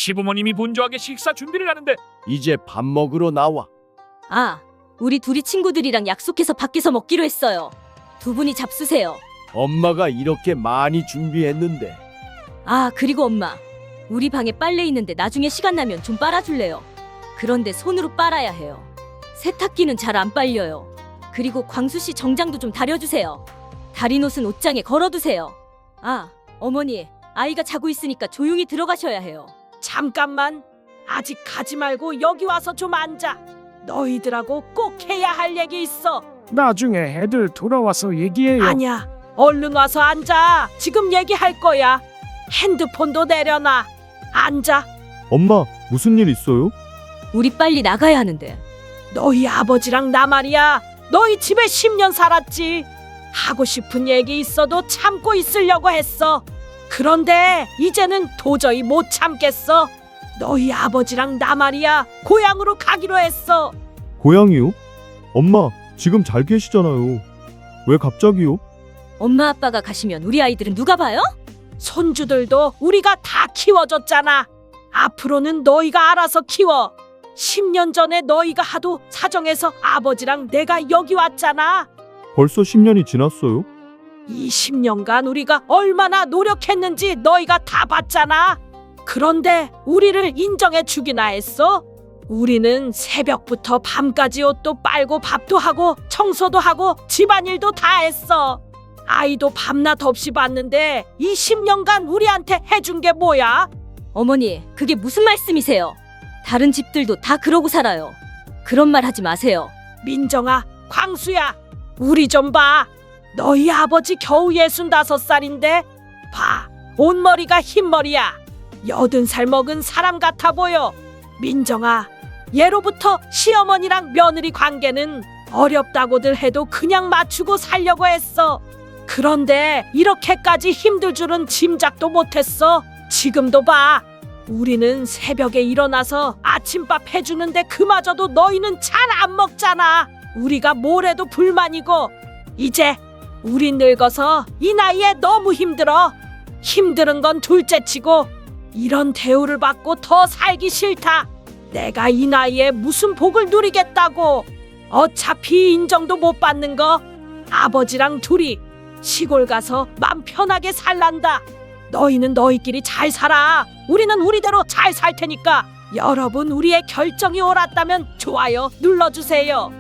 시부모님이 분주하게 식사 준비를 하는데 이제 밥 먹으러 나와. 아, 우리 둘이 친구들이랑 약속해서 밖에서 먹기로 했어요. 두 분이 잡수세요. 엄마가 이렇게 많이 준비했는데. 아, 그리고 엄마. 우리 방에 빨래 있는데 나중에 시간 나면 좀 빨아줄래요? 그런데 손으로 빨아야 해요. 세탁기는 잘 안 빨려요. 그리고 광수 씨 정장도 좀 다려주세요. 다린 옷은 옷장에 걸어두세요. 아, 어머니. 아이가 자고 있으니까 조용히 들어가셔야 해요. 잠깐만. 아직 가지 말고 여기 와서 좀 앉아. 너희들하고 꼭 해야 할 얘기 있어. 나중에 애들 돌아와서 얘기해요. 아니야. 얼른 와서 앉아. 지금 얘기할 거야. 핸드폰도 내려놔. 앉아. 엄마, 무슨 일 있어요? 우리 빨리 나가야 하는데. 너희 아버지랑 나 말이야. 너희 집에 10년 살았지. 하고 싶은 얘기 있어도 참고 있으려고 했어. 그런데 이제는 도저히 못 참겠어. 너희 아버지랑 나 말이야. 고향으로 가기로 했어. 고양이요? 엄마, 지금 잘 계시잖아요. 왜 갑자기요? 엄마 아빠가 가시면 우리 아이들은 누가 봐요? 손주들도 우리가 다 키워줬잖아. 앞으로는 너희가 알아서 키워. 10년 전에 너희가 하도 사정해서 아버지랑 내가 여기 왔잖아. 벌써 10년이 지났어요? 이 10년간 우리가 얼마나 노력했는지 너희가 다 봤잖아. 그런데 우리를 인정해 주기나 했어? 우리는 새벽부터 밤까지 옷도 빨고 밥도 하고 청소도 하고 집안일도 다 했어. 아이도 밤낮 없이 봤는데 이 10년간 우리한테 해준 게 뭐야? 어머니, 그게 무슨 말씀이세요? 다른 집들도 다 그러고 살아요. 그런 말 하지 마세요. 민정아, 광수야, 우리 좀 봐. 너희 아버지 겨우 65살인데 봐, 온머리가 흰머리야. 80살 먹은 사람 같아 보여. 민정아, 예로부터 시어머니랑 며느리 관계는 어렵다고들 해도 그냥 맞추고 살려고 했어. 그런데 이렇게까지 힘들 줄은 짐작도 못했어. 지금도 봐. 우리는 새벽에 일어나서 아침밥 해주는데 그마저도 너희는 잘 안 먹잖아. 우리가 뭘 해도 불만이고. 이제 우리 늙어서 이 나이에 너무 힘들어. 힘든 건 둘째치고 이런 대우를 받고 더 살기 싫다. 내가 이 나이에 무슨 복을 누리겠다고. 어차피 인정도 못 받는 거 아버지랑 둘이 시골 가서 맘 편하게 살란다. 너희는 너희끼리 잘 살아. 우리는 우리대로 잘 살 테니까 여러분 우리의 결정이 옳았다면 좋아요 눌러주세요.